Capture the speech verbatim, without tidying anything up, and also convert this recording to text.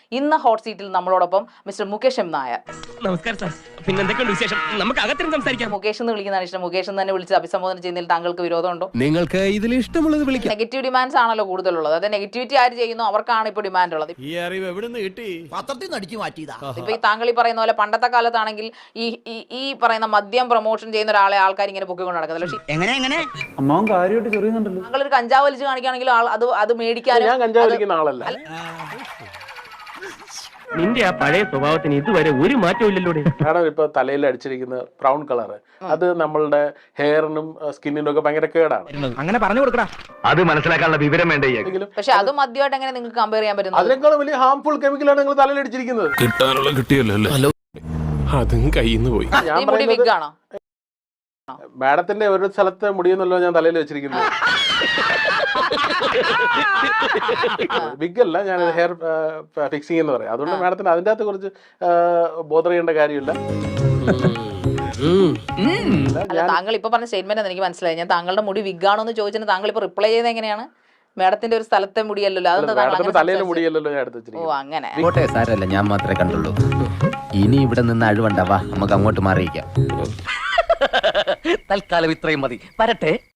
ഇന്ന് ഹോട്ട് സീറ്റിൽ നമ്മളോടൊപ്പം മിസ്റ്റർ മുകേഷ് എം നായർ. നമസ്കാരം സാർ. പിന്നെ എന്തൊക്കെയുണ്ട് വിശേഷം? നമുക്ക് അകത്തിരുന്ന് സംസാരിക്കാം. മുകേഷ് എന്ന് വിളിക്കുന്നതാണ് ഇഷ്ടം. മുകേഷ് എന്ന് തന്നെ വിളിച്ച് അഭിസംബോധന ചെയ്യുന്നതിൽ താങ്കൾക്ക് വിരോധമുണ്ടോ? നിങ്ങൾക്ക് ഇതിൽ ഇഷ്ടമുള്ളത് വിളിക്കാം. നെഗറ്റീവ് ഡിമാൻഡ്സ് ആണല്ലോ കൂടുതലുള്ളത്. അതായത് നെഗറ്റിവിറ്റി ആര് ചെയ്യുന്നു അവർക്കാണ് ഇപ്പോൾ ഡിമാൻഡ് ഉള്ളത്. ഈ അറിവ് എവിടുന്ന് കിട്ടി? പത്രത്തിൽ നിന്ന് അടിച്ചു മാറ്റിയതാ. ഇപ്പൊ ഈ താങ്കൾ ഈ പറയുന്ന പോലെ പണ്ടത്തെ കാലത്താണെങ്കിൽ ഈ ഈ പറയുന്ന മദ്യം പ്രൊമോഷൻ ചെയ്യുന്ന ഒരാളെ ആൾക്കാർ ഇങ്ങനെ പൊക്കിക്കൊണ്ട് നടക്കുന്നത്. എങ്ങനെ എങ്ങനെ അമ്മാവൻ കാര്യമായിട്ട് ചെറിയുന്നുണ്ടല്ലോ. താങ്കൾ ഒരു കഞ്ചാവ് വലിച്ച് കാണിക്കുകയാണെങ്കിൽ അത് അത് മേടിക്കാനും ഞാൻ കഞ്ചാവ് വലിക്കുന്ന ആളല്ല. നിന്റെ ആ പഴയ സ്വഭാവത്തിന് ഇതുവരെ ഒരു മാറ്റവും ഇല്ലല്ലോ. കാരണം ഇപ്പൊ തലയിൽ അടിച്ചിരിക്കുന്ന ബ്രൗൺ കളർ അത് നമ്മളുടെ ഹെയറിനും സ്കിന്നിനും ഒക്കെ ഭയങ്കര കേടാണ്. അങ്ങനെ പറഞ്ഞു കൊടുക്കടാ. അത് മനസ്സിലാക്കാനുള്ള വിവരം വേണ്ടേ? പക്ഷെ അത് മദ്യമായിട്ട് എങ്ങനെ നിങ്ങൾക്ക് കമ്പയർ ചെയ്യാൻ പറ്റും? അതിനേക്കാളും വലിയ ഹാംഫുൾ കെമിക്കലാണ് നിങ്ങൾ തലയിൽ അടിച്ചിരിക്കുന്നത്. കിട്ടാനുള്ള കിട്ടിയല്ലോ. അതും കയ്യിന്ന് പോയി. ഞാൻ മുടി വിഗ് ആണോ? മാഡത്തിന്റെ ഒരു സ്ഥലത്തെ മുടിയെന്നല്ലോ ഞാൻ തലയിൽ വെച്ചിരിക്കുന്നത്. വിഗ് അല്ല, ഞാൻ ഹെയർ ഫിക്സിംഗ് എന്ന് പറയാം. അതുകൊണ്ട് മാഡത്തിന് അതിൻ്റെ അകത്ത് കുറച്ച് ബോധർ ചെയ്യേണ്ട കാര്യമില്ല. അല്ല, താങ്കൾ ഇപ്പൊ പറഞ്ഞ സ്റ്റേറ്റ്മെന്റ് എനിക്ക് മനസ്സിലായി. ഞാൻ താങ്കളുടെ മുടി വിഗ് ആണോ എന്ന് ചോദിച്ചിട്ട് താങ്കൾ ഇപ്പൊ റിപ്ലൈ ചെയ്ത് എങ്ങനെയാണ്? മാഡത്തിന്റെ ഒരു സ്ഥലത്തെ മുടിയല്ലോ, അതെന്താ തലയിലെ മുടിയല്ലോ ഞാൻ എടുത്ത് ഓ വെച്ചിരിക്കുന്നത്. അങ്ങനെ. കോട്ടെ സാരല്ല, ഞാൻ മാത്രമേ കണ്ടുള്ളൂ. ഇനി ഇവിടെ നിന്ന് അഴിവണ്ടാവാ, നമുക്ക് അങ്ങോട്ട് മാറിയിക്കാം. തൽക്കാലം ഇത്രയും മതി. വരട്ടെ.